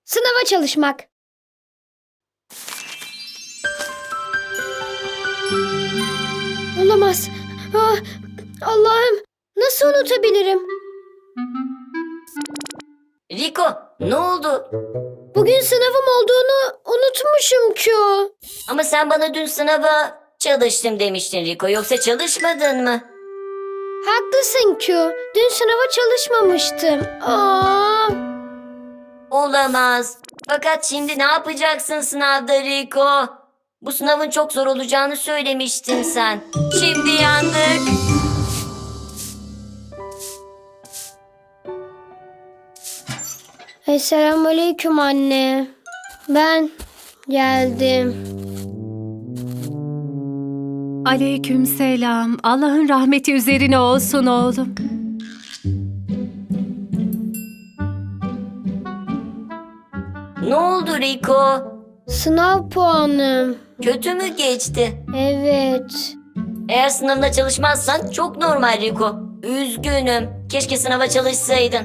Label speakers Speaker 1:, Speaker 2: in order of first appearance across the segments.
Speaker 1: Sınava çalışmak. Olamaz. Ah, Allah'ım, nasıl unutabilirim?
Speaker 2: Rico, ne oldu?
Speaker 1: Bugün sınavım olduğunu unutmuşum Q.
Speaker 2: Ama sen bana dün sınava çalıştım demiştin Rico. Yoksa çalışmadın mı?
Speaker 1: Haklısın Q. Dün sınava çalışmamıştım. Aa,
Speaker 2: Olamaz. Fakat şimdi ne yapacaksın sınavda Rico? Bu sınavın çok zor olacağını söylemiştin sen. Şimdi yandık.
Speaker 1: Selamünaleyküm anne. Ben geldim.
Speaker 3: Aleykümselam. Allah'ın rahmeti üzerine olsun oğlum.
Speaker 2: Ne oldu Rico?
Speaker 1: Sınav puanım.
Speaker 2: Kötü mü geçti?
Speaker 1: Evet.
Speaker 2: Eğer sınavına çalışmazsan çok normal Rico. Üzgünüm. Keşke sınava çalışsaydın.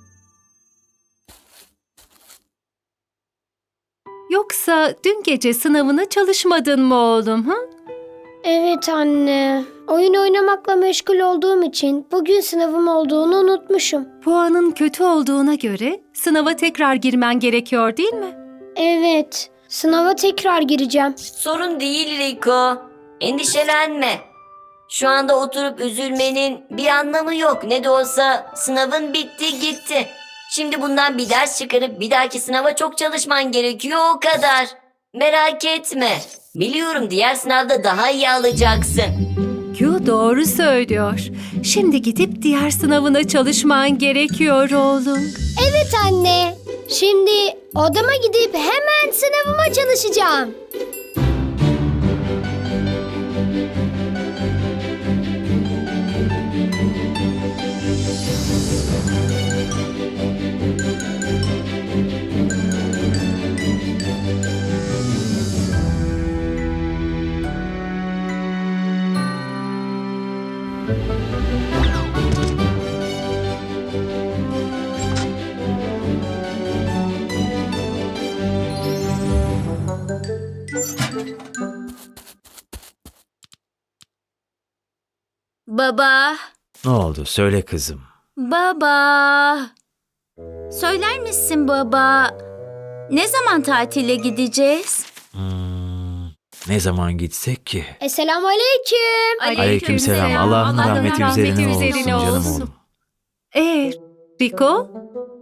Speaker 3: Yoksa dün gece sınavına çalışmadın mı oğlum? Ha?
Speaker 1: Evet anne. Oyun oynamakla meşgul olduğum için bugün sınavım olduğunu unutmuşum.
Speaker 3: Puanın kötü olduğuna göre sınava tekrar girmen gerekiyor değil mi?
Speaker 1: Evet. Sınava tekrar gireceğim.
Speaker 2: Sorun değil Rico. Endişelenme. Şu anda oturup üzülmenin bir anlamı yok. Ne de olsa sınavın bitti gitti. Şimdi bundan bir ders çıkarıp bir dahaki sınava çok çalışman gerekiyor, o kadar. Merak etme. Biliyorum diğer sınavda daha iyi alacaksın.
Speaker 3: Q doğru söylüyor. Şimdi gidip diğer sınavına çalışman gerekiyor oğlum.
Speaker 1: Evet anne. Şimdi odama gidip hemen sınavıma çalışacağım.
Speaker 4: Baba,
Speaker 5: Ne oldu? Söyle kızım.
Speaker 4: baba. Söyler misin baba? Ne zaman tatile gideceğiz?
Speaker 5: Ne zaman gitsek ki?
Speaker 1: Selamünaleyküm.
Speaker 5: Aleykümselam. Allah'ın rahmeti üzerine olsun canım oğlum.
Speaker 3: Rico?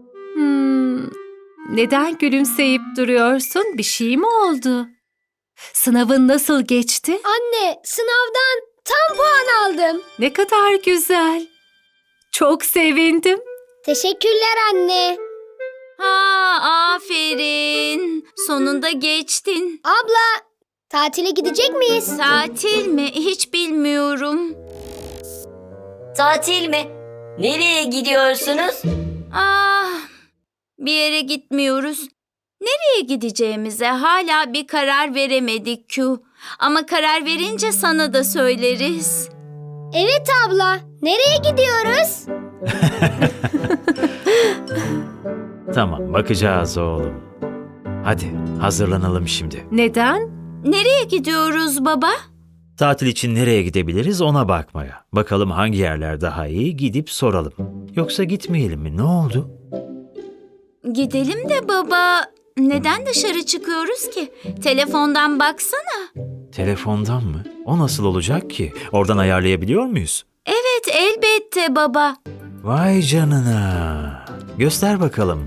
Speaker 3: Neden gülümseyip duruyorsun? Bir şey mi oldu? Sınavın nasıl geçti?
Speaker 1: Anne, sınavdan tam puan aldım.
Speaker 3: Ne kadar güzel. Çok sevindim.
Speaker 1: Teşekkürler anne.
Speaker 4: Ha, aferin. Sonunda geçtin.
Speaker 1: Abla, tatile gidecek miyiz?
Speaker 4: Tatil mi? Hiç bilmiyorum.
Speaker 2: Tatil mi? Nereye gidiyorsunuz?
Speaker 4: Ah, bir yere gitmiyoruz. Nereye gideceğimize hala bir karar veremedik Q. Ama karar verince sana da söyleriz.
Speaker 1: Evet abla. Nereye gidiyoruz?
Speaker 5: Tamam, bakacağız oğlum. Hadi hazırlanalım şimdi.
Speaker 3: Neden?
Speaker 4: Nereye gidiyoruz baba?
Speaker 5: Tatil için nereye gidebiliriz ona bakmaya. Bakalım hangi yerler daha iyi, gidip soralım. Yoksa gitmeyelim mi? Ne oldu?
Speaker 4: Gidelim de baba. Neden dışarı çıkıyoruz ki? Telefondan baksana.
Speaker 5: Telefondan mı? O nasıl olacak ki? Oradan ayarlayabiliyor muyuz?
Speaker 4: Evet, elbette baba.
Speaker 5: Vay canına. Göster bakalım.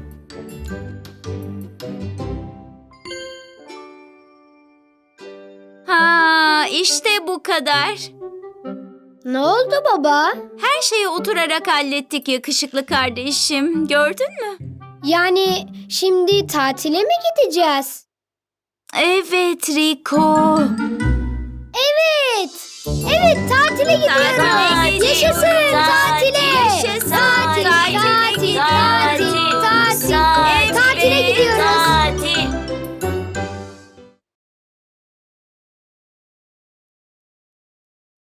Speaker 4: Ha, işte bu kadar.
Speaker 1: Ne oldu baba?
Speaker 4: Her şeyi oturarak hallettik yakışıklı kardeşim. Gördün mü?
Speaker 1: Yani şimdi tatile mi gideceğiz?
Speaker 4: Evet Rico.
Speaker 1: Evet. Evet, tatile gidiyoruz.
Speaker 4: Tatile gidiyoruz.
Speaker 1: Yaşasın tatile.
Speaker 4: Yaşasın.